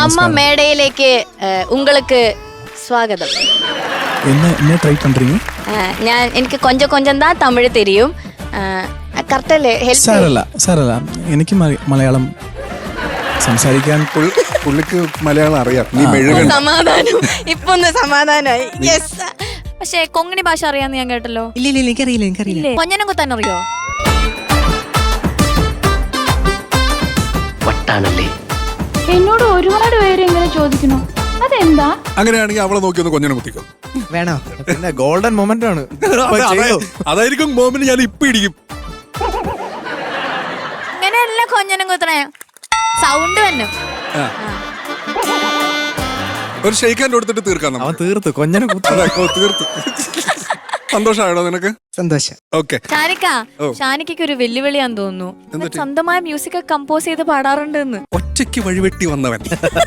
நம்ம மேடையிலேக்கு உங்களுக்கு സ്വാഗതം. என்ன ட்ரை பண்றீங்க? എനിക്ക് கொஞ்சம் தான் தமிழ் தெரியும். കറക്റ്റ് അല്ലേ? സാരല്ല എനിക്ക് മലയാളം സംസാരിക്കാൻ പുള്ളിക്ക് മലയാളം അറിയാം. നീ മെഴുകൻ. സമാധാനം. ഇപ്പൊ ഒന്ന് സമാധാനായി. യെസ്. പക്ഷേ കൊങ്ങിണി ഭാഷ അറിയാന്ന് ഞാൻ കേട്ടല്ലോ. ഇല്ല എനിക്കറിയില്ല. കൊഞ്ഞനം കുത്താൻ അറിയോ? വട്ടാണല്ലേ. എന്നോട് ഒരുപാട് പേര് ഇങ്ങനെ ചോദിക്കുന്നു, അതെന്താ? അങ്ങനെയാണെങ്കിൽ അവളെ നോക്കി ഒന്ന് കൊഞ്ഞനെ കുത്തിക്കോ. വേണോ? പിന്നെ ഗോൾഡൻ മൊമെന്റ് ആണ്. അതായിരിക്കും മൊമെന്റ്. ഞാൻ ഇപ്പൊ ഇടിക്കും. ഇങ്ങനെയല്ല കൊഞ്ഞനം കുത്തണേ, സൗണ്ട് തന്നെ. ഒരു ഷെയ്ക്കാൻ്റെ കൊടുത്തിട്ട് തീർക്കാം. അവൻ തീർത്തു കൊഞ്ഞനെ തീർത്തു. സന്തോഷമാണോ നിനക്ക്? സന്തോഷം. ഓക്കെ. ഷാനിക്ക് ഒരു വെല്ലുവിളിയാന്ന് തോന്നുന്നു. സ്വന്തമായ മ്യൂസിക് കമ്പോസ് ചെയ്ത് പാടാറുണ്ട്. ഒറ്റയ്ക്ക് വഴിവെട്ടി വന്നവൻ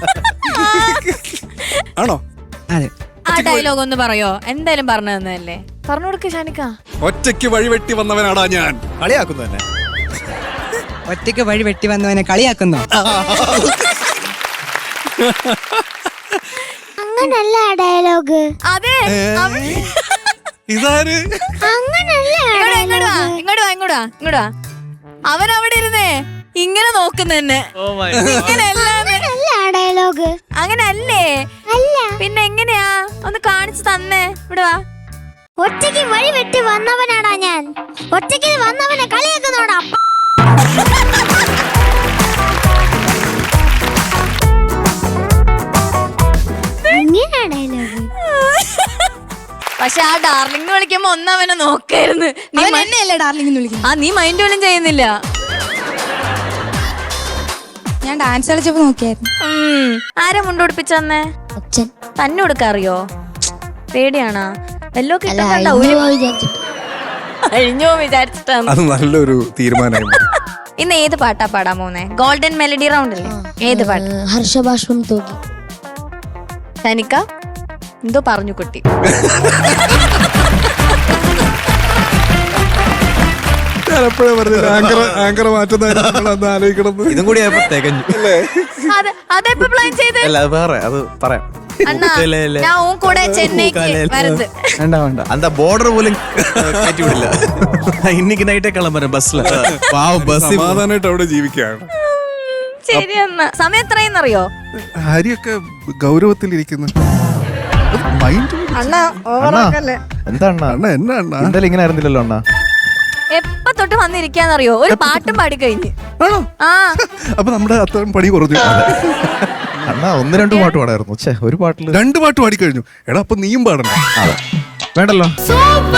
ആണോ? അതെ. ആ ഡയലോഗ് ഒന്ന് പറയോ? എന്തായാലും പറഞ്ഞു തന്നതല്ലേ, പറഞ്ഞു കൊടുക്ക് ഷാനിക്ക. ഒറ്റയ്ക്ക് വഴിവെട്ടി വന്നവനാടാ ഞാൻ. കളിയാക്കുന്നു തന്നെ. ഒറ്റയ്ക്ക് വഴി വെട്ടി വന്നവനെ കളിയാക്കുന്നോ? അങ്ങനല്ല ഡയലോഗ്. അതെ. ഇതാര്? ഇങ്ങോട്ട് വാ. അവൻ അവിടെ ഇരുന്നേ ഇങ്ങനെ നോക്കുന്നെ. ഡയലോഗ് അങ്ങനല്ലേ? പിന്നെ എങ്ങനെയാ? ഒന്ന് കാണിച്ചു തന്നേ. ഇവിടെ വാ. ഒറ്റയ്ക്ക് വഴി വെട്ടി വന്നവനാടാ ഞാൻ. ഒറ്റയ്ക്ക് വന്നവനെ കളിയാക്കുന്നോടാ. പക്ഷെ ആ ഡാർലിംഗ് വിളിക്കുമ്പോ ഒന്നവനെ നോക്കായിരുന്നു. നീ മൈൻഡ് പോലും ചെയ്യുന്നില്ല. ഞാൻ ഡാൻസ് കളിച്ചപ്പോ നോക്കിയായിരുന്നു. ആരാ മുണ്ടുപിടിപ്പിച്ചന്നെ? തന്നെ കൊടുക്കാറിയോ? പേടിയാണാ? വല്ലോ കിട്ടുന്നുണ്ടോ? അഴിഞ്ഞോ വിചാരിച്ചിട്ടാണ്. അത് നല്ലൊരു തീരുമാനമായി. ഇന്ന് ഏത് പാട്ടാ പാടാൻ പോന്നെ? ഗോൾഡൻ മെലഡി റൗണ്ട് അല്ലേ? ഏത് പാട്ട്? ഹർഷബാഷ്പം തൂക്കി. ഷാനിക്ക എന്തോ പറഞ്ഞു കുട്ടി. ഇതും കൂടി തികഞ്ഞു. അതെപ്പോ പ്ലാൻ ചെയ്ത്? അണ്ണാ ഞാൻ കൂടെ ചെന്നൈക്ക് വരുന്നത്. அந்த border പോലും കയറ്റി വിടില്ല. இன்னைக்கு നൈറ്റേ കിളമ്പരം ബസ്സില്. സമാധാനമായിട്ട് അവിടെ ജീവിക്കുകയാണ്. ശരി എന്നാ. സമയം എത്രയെന്നറിയോ? ഹരിയൊക്കെ ഗൗരവത്തിലിരിക്കുന്നു. അണ്ണാ ഓവറാക്കല്ലേ. എന്താ അണ്ണാ? എന്നാ അണ്ണാ? എന്തായാലും ഇങ്ങനെ ആയിരുന്നില്ലല്ലോ അണ്ണാ. എപ്പ തൊട്ട് വന്നിരിക്കാന്നറിയോ? ഒരു പാട്ടും പാടി കഴിഞ്ഞ്. ആ അപ്പൊ നമ്മുടെ അത്രയും പണി കുറഞ്ഞു. അണ്ണാ 1-2 പാട്ട് പാടായിരുന്നു. ഒരു പാട്ടില് 2 പാട്ട് പാടി കഴിഞ്ഞു. എടാ അപ്പൊ നീയും പാടണം. വേണ്ടല്ലോ.